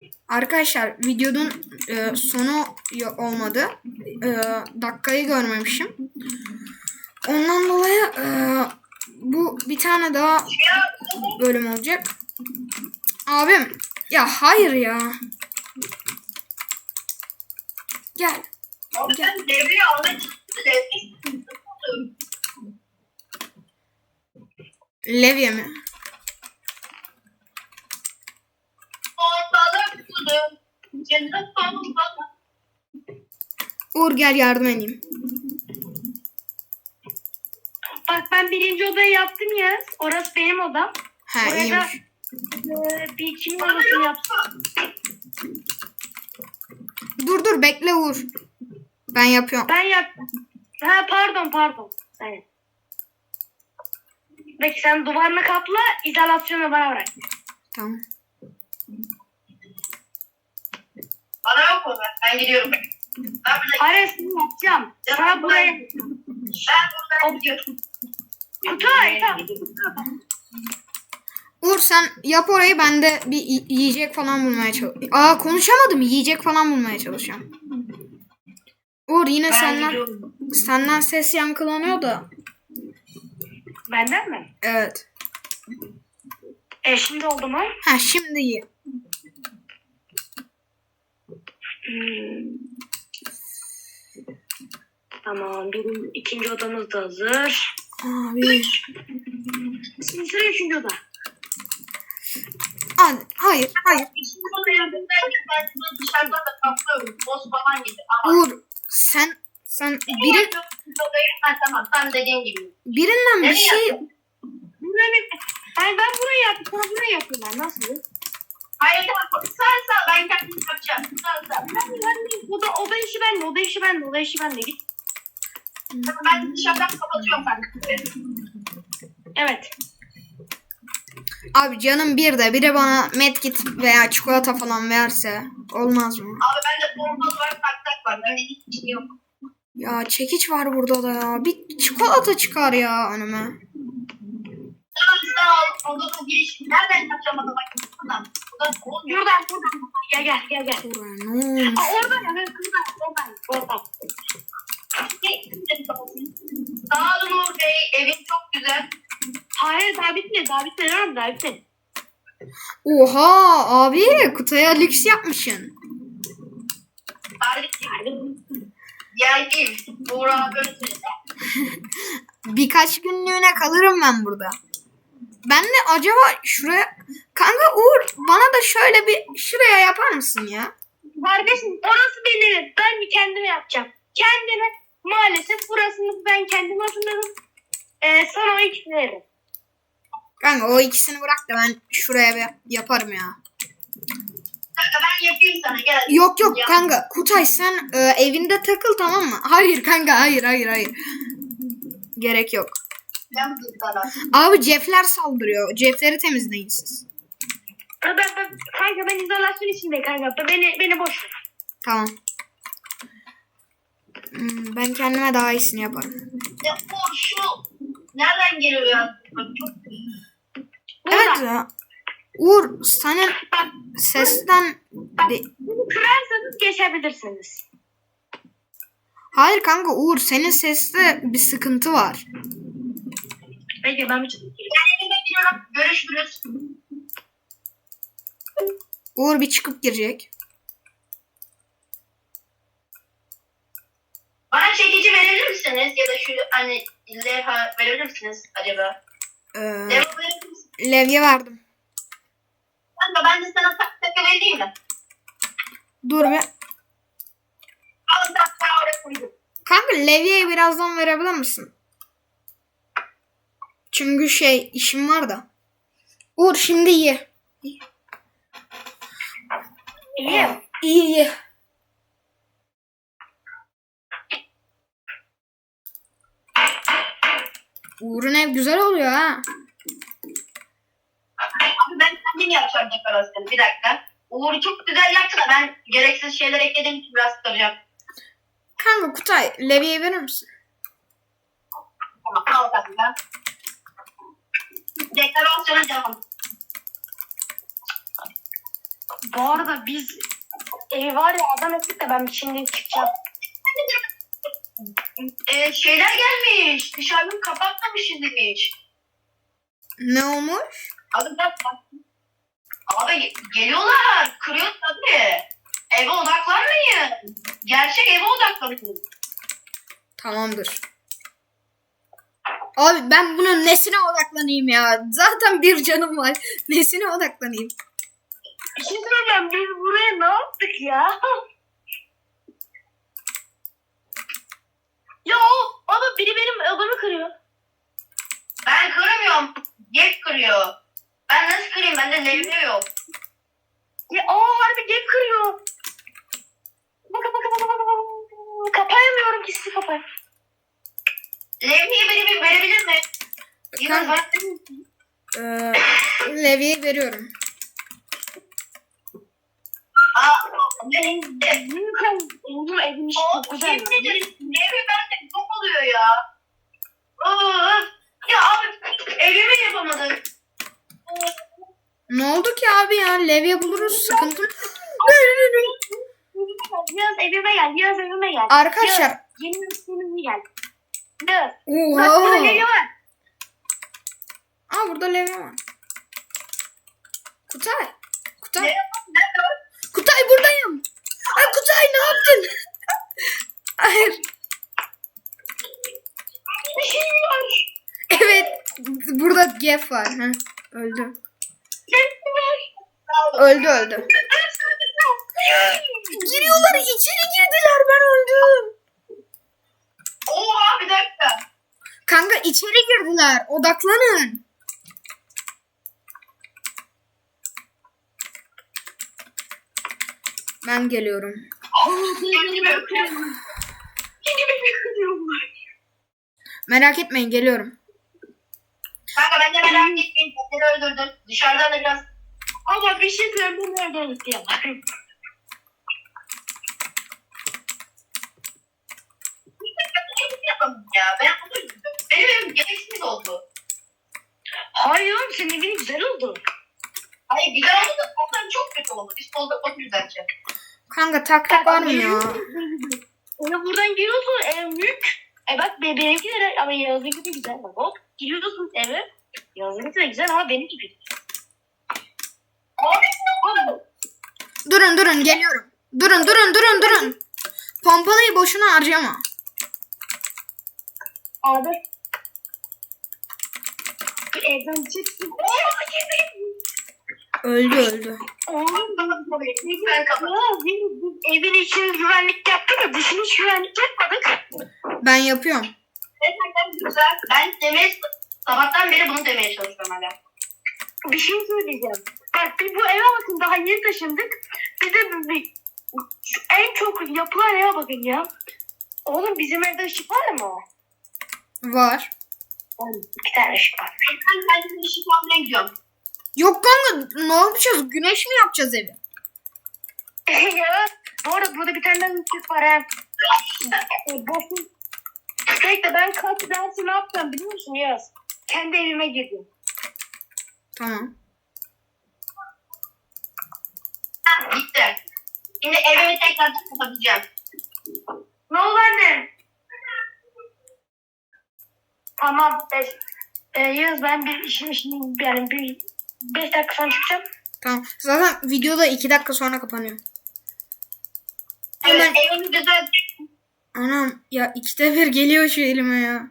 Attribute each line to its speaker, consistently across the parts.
Speaker 1: Arkadaşlar videonun sonu olmadı. Dakikayı görmemişim. Ondan dolayı bu bir tane daha bölüm olacak. Abim ya hayır ya. Gel.
Speaker 2: Gel. Devreyi almak için
Speaker 1: Levye mi?
Speaker 2: balık tutu. Cennet balık.
Speaker 1: Uğur gel yardım edeyim.
Speaker 3: Bak ben birinci odayı yaptım ya. Orası benim odam.
Speaker 1: He
Speaker 3: Oraya
Speaker 1: iyiymiş.
Speaker 3: bir kimin odasını yaptım.
Speaker 1: Dur bekle Uğur. Ben yapıyorum.
Speaker 3: Ben yaptım. Ha pardon. Evet. Peki sen duvarını kapla, izolasyonu bana bırak.
Speaker 1: Tamam.
Speaker 2: Bana yok mu? Ben gidiyorum. Ben burada
Speaker 3: Aresini yapacağım. Sana buraya...
Speaker 2: buradan gidiyorum.
Speaker 3: Kutay.
Speaker 1: Uğur sen yap orayı, ben de bir yiyecek falan bulmaya çalışıyorum. Konuşamadım, yiyecek falan bulmaya çalışıyorum. Uğur yine senden ses yankılanıyor da.
Speaker 3: Benden mi?
Speaker 1: Evet.
Speaker 3: Şimdi oldu mu?
Speaker 1: Ha şimdi iyi.
Speaker 3: Tamam. İkinci odamız da hazır.
Speaker 1: Abi.
Speaker 3: Şimdi sıra üçüncü oda.
Speaker 1: Hayır.
Speaker 2: İşin sonu yanındayken ben bunu dışarıda da kaplıyorum. Boz falan gibi. Ama
Speaker 1: Uğur sen
Speaker 2: tamam. Sen dediğin gibi.
Speaker 1: birinden bir
Speaker 2: Nereye
Speaker 1: şey
Speaker 2: yapıyorsun?
Speaker 3: Ben burayı yaptım. Sana burayı yaptım ben. Nasıl?
Speaker 2: Hayır tamam. Sen ben kendim yapacağım. Sen.
Speaker 3: Oda işi bende. Git.
Speaker 2: Ben dışarıdan kapatıyorum ben.
Speaker 3: Evet.
Speaker 1: abi canım biri bana medkit veya çikolata falan verse olmaz mı?
Speaker 2: Abi bende bomba var, tak var. Bende hiç şey yok.
Speaker 1: Ya çekiç var burada da ya. Bir çikolata çıkar ya önüme.
Speaker 2: Sağ ol. Odanın giriş. Nereden yapacağım adama? Buradan.
Speaker 3: Buradan. Gel.
Speaker 1: Buraya ne olmuş?
Speaker 3: Oradan.
Speaker 2: Sağ olun Uğur Bey. Evin çok güzel.
Speaker 3: Hayır daha bitmedi.
Speaker 1: Oha abi kutuya lüks yapmışsın.
Speaker 2: Kardeşim. Diğer değil. Uğur abi böyle söyledi.
Speaker 1: Birkaç günlüğüne kalırım ben burada. Ben de acaba şuraya... Kanka Uğur bana da şöyle bir şuraya yapar mısın ya?
Speaker 3: Kardeşim orası benim. Ben kendime yapacağım. Kendime maalesef burasını ben kendim hazırladım. Sana o ikisini veririm.
Speaker 1: Kanka o ikisini bırak da ben şuraya bir yaparım ya.
Speaker 2: Kanka ben yapayım sana. Gel.
Speaker 1: Yok kanka Kutay sen evinde takıl tamam mı? Hayır kanka hayır. Gerek yok.
Speaker 2: Ben sana.
Speaker 1: Abi cefler saldırıyor. Cefleri temizleyin siz.
Speaker 3: Kanka ben izolasyon içindeyim kanka. Beni boş ver.
Speaker 1: Tamam. Ben kendime daha iyisini yaparım.
Speaker 2: Ya Uğur şu nereden geliyor ya? Çok
Speaker 1: Evet ya. Uğur senin sesten...
Speaker 3: Bunu kırarsanız geçebilirsiniz.
Speaker 1: Hayır kanka Uğur senin seste bir sıkıntı var.
Speaker 3: Peki ben bir çıkayım.
Speaker 2: Ben evime gidiyorum. Görüşürüz.
Speaker 1: Uğur bir çıkıp girecek.
Speaker 2: Bana çekici verir misiniz? Ya da şu hani levha verir misiniz acaba? Levha verir misiniz?
Speaker 1: Levye verdim.
Speaker 2: Kanka ben de sana taka vereyim mi?
Speaker 1: Dur bir.
Speaker 2: Al sen oraya koydum.
Speaker 1: Kanka levyeyi birazdan verebilir misin? Çünkü işim var da. Uğur şimdi ye. İyi. Uğur'un ev güzel oluyor ha.
Speaker 2: Abi ben kendim yapacağım dekorasyonu. Bir dakika. Uğur çok güzel yaptı da ben gereksiz şeyler eklediğim için biraz sıkılacağım.
Speaker 1: Kanka Kutay levyeyi verir misin?
Speaker 2: Tamam al kanka. Dekorasyona devam.
Speaker 3: Bu arada biz evi var ya adam ettik de ben şimdi çıkacağım.
Speaker 2: Şeyler gelmiş. Dışarıdan kapatmamışız demiş.
Speaker 1: Ne olmuş?
Speaker 2: Abi bak. Abi geliyorlar. Kırıyor tabii. Eve odaklanmayın. Gerçek eve odaklanın.
Speaker 1: Tamamdır. Abi ben bunun nesine odaklanayım ya? Zaten bir canım var. Nesine odaklanayım?
Speaker 3: Bir şey söyleyeceğim biz buraya ne yaptık ya? Ya ama biri benim odamı kırıyor.
Speaker 2: Ben kıramıyorum. Gek kırıyor. Ben nasıl kırayım? Bende levye yok.
Speaker 3: Ya harbi gel kırıyor. Kapayamıyorum ki sizi kapayım.
Speaker 2: Levyeyi biri verebilir mi? Yine
Speaker 1: Kanka, Levi'ye veriyorum.
Speaker 3: Oğlum evin işi çok güzel.
Speaker 2: Yemin ederim levye bende çok oluyor ya. Ya abi evimi yapamadım.
Speaker 1: Ne oldu ki abi ya? Levye buluruz. Sıkıntı.
Speaker 3: Yaz evime gel. Yaz evime gel.
Speaker 1: Arkadaşlar.
Speaker 3: Yaz, yeni evime gel. Yaz. Bak burada
Speaker 1: Oha.
Speaker 3: levye var.
Speaker 1: Aa burada levye var. Kutay. Kutay. Kutay buradayım. Ay Kutay ne yaptın? Hayır.
Speaker 3: Bir şey var.
Speaker 1: Evet. Burada Gef var. Heh, öldü.
Speaker 3: Sen var.
Speaker 1: Öldü. Giriyorlar içeri girdiler ben öldüm.
Speaker 2: Oha bir dakika.
Speaker 1: Kanka içeri girdiler. Odaklanın. Ben geliyorum. Merak etmeyin geliyorum.
Speaker 2: Kanka ben de merak etmeyin. Seni öldürdüm. Dışarıdan da biraz
Speaker 3: Ama bir şey söyleyeyim nerede unutayım.
Speaker 2: yapamadım ya. Ben bunu üzüldüm. Benim evim gereksiz oldu.
Speaker 3: Hayır oğlum senin evin güzel oldu.
Speaker 2: Hayır güzel oldu da ondan çok kötü oldu. Biz solda çok güzelce.
Speaker 1: Kanka taktik var mı ya?
Speaker 3: Ona buradan giriyorsun ev büyük. Bak benimki de ama Yağız'ınki de güzel. Bak hop giriyorsun eve. Yağız'ınki de güzel ama benimki kötü.
Speaker 2: Abi
Speaker 1: Durun geliyorum. Durun. Pompalıyı boşuna harcama.
Speaker 3: Abi. Bir evden çıksın.
Speaker 1: Öldü.
Speaker 3: Oğlum
Speaker 2: ben kapattım.
Speaker 3: evin içini güvenlik yaptı da dışını hiç güvenlik yapmadık.
Speaker 1: Ben yapıyorum.
Speaker 2: Gerçekten güzel. Ben demeye sabahtan beri bunu demeye çalışıyorum hala.
Speaker 3: Bir şey söyleyeceğim. Bak biz bu eve bakın daha yeni taşındık. Bir de en çok yapılan eve bakın ya. Oğlum bizim evde ışık var mı?
Speaker 1: Var.
Speaker 3: Oğlum 2 tane ışık var.
Speaker 2: Ben de işi almaya gidiyorum.
Speaker 1: Yok kanka ne yapacağız? Güneş mi yapacağız evi?
Speaker 3: Ya bu arada burada bir tane daha ışık var ha. Boşun. Bekle ben kaç dersi ne yapacağım biliyor musun Yaz? Kendi evime girdim.
Speaker 1: Tamam.
Speaker 2: Gitti. Şimdi evimi tekrardan kapatacağım.
Speaker 3: Ne oldu anne? Tamam. Yaz ben bir işim yani bir 5 dakika sonra çıkacağım.
Speaker 1: Tamam. Zaten videoda 2 dakika sonra kapanıyor.
Speaker 2: Evet,
Speaker 1: Hemen.
Speaker 2: evimi güzel.
Speaker 1: Anam ya 2'de 1 geliyor şu elime ya.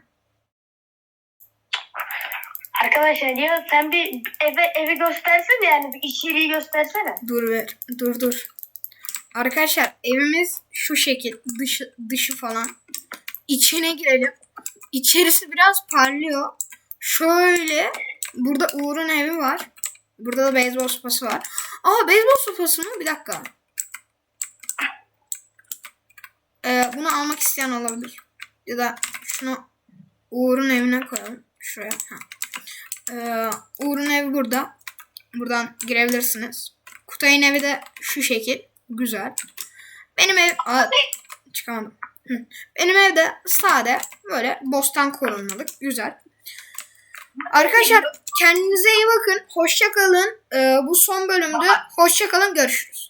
Speaker 3: Arkadaşlar ya sen bir evi göstersene yani bir içeriği göstersene.
Speaker 1: Dur. Arkadaşlar evimiz şu şekil. Dışı falan. İçine girelim. İçerisi biraz parlıyor. Şöyle. Burada Uğur'un evi var. Burada da beyzbol sopası var. Aa beyzbol sopası mı? Bir dakika. Bunu almak isteyen olabilir. Ya da şunu Uğur'un evine koyalım. Şuraya. Uğur'un evi burada. Buradan girebilirsiniz. Kutay'ın evi de şu şekil. Güzel. Benim ev... çıkamadım. Benim evde sade. Böyle bostan korunmalık. Güzel. Arkadaşlar kendinize iyi bakın. Hoşça kalın. Bu son bölümdü. Hoşça kalın. Görüşürüz.